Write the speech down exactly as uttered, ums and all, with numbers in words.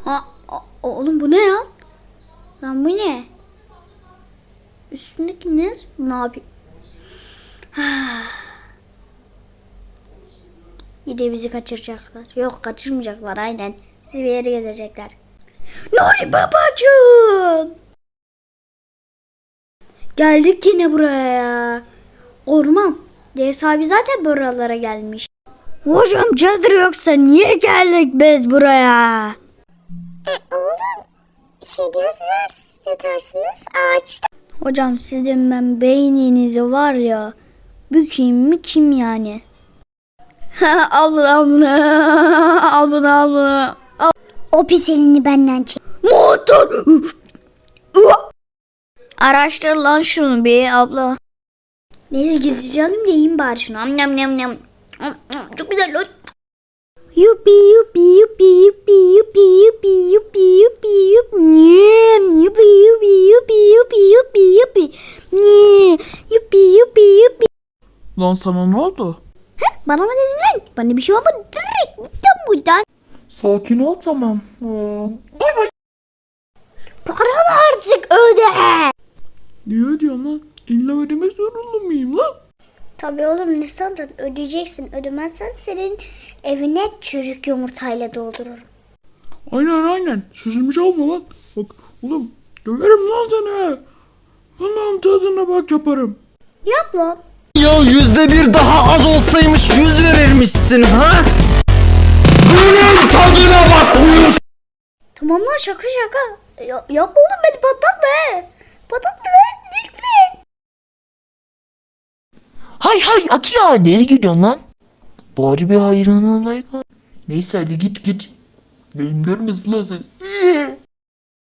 Ha, o- oğlum bu ne ya? Lan bu ne? Üstündeki ne? Ne yapayım? Yine bizi kaçıracaklar. Yok, kaçırmayacaklar aynen. Bizi bir yere gezecekler. Nuri babacığım. Geldik yine buraya. Orman. Deniz abi zaten buralara gelmiş. Hocam çadır yoksa niye geldik biz buraya? E oğlum şey diyorsunuz yatarsınız ağaçta. Hocam sizin ben beyninizi var ya, bükeyim mi kim yani? Al bunu, al bunu, al bunu, al bunu. Al. O pis elini benden çek. Motor. Araştır lan şunu bir abla. Neyse gizlice alayım da yiyeyim bari şunu. Am nam nam nam. Çok güzel lan. Yupi yupi yupi yupi yupi yupi yupi yupi yupi nyem yupi yupi yupi yupi yupi yupi nyem yupi yupi yupi. Lan sana ne oldu? Bana mı dedin lan? Bana bir şey olmadı. Direkt gittim buradan. Sakin ol tamam. Aa, bay bay. Paranı artık öde. Niye diyorsun lan? İlla ödemek zorunda mıyım lan? Tabii oğlum, lisandan ödeyeceksin. Ödemezsen senin evine çürük yumurtayla doldururum. Aynen aynen. Sözümü çalma lan. Bak oğlum döverim lan seni. Lan tadına bak yaparım. Yap lan. Ya yüzde bir daha az olsaymış yüz verirmişsin ha? Bunun tadına bak uyuz. Tamam lan, şaka şaka. Ya, yapma oğlum, beni patlatma. Patlatma lan lütfen. Hay hay Atilla nereye gidiyorsun lan? Bari bir hayran olayım. Neyse hadi git git. Benim görmesin lan seni.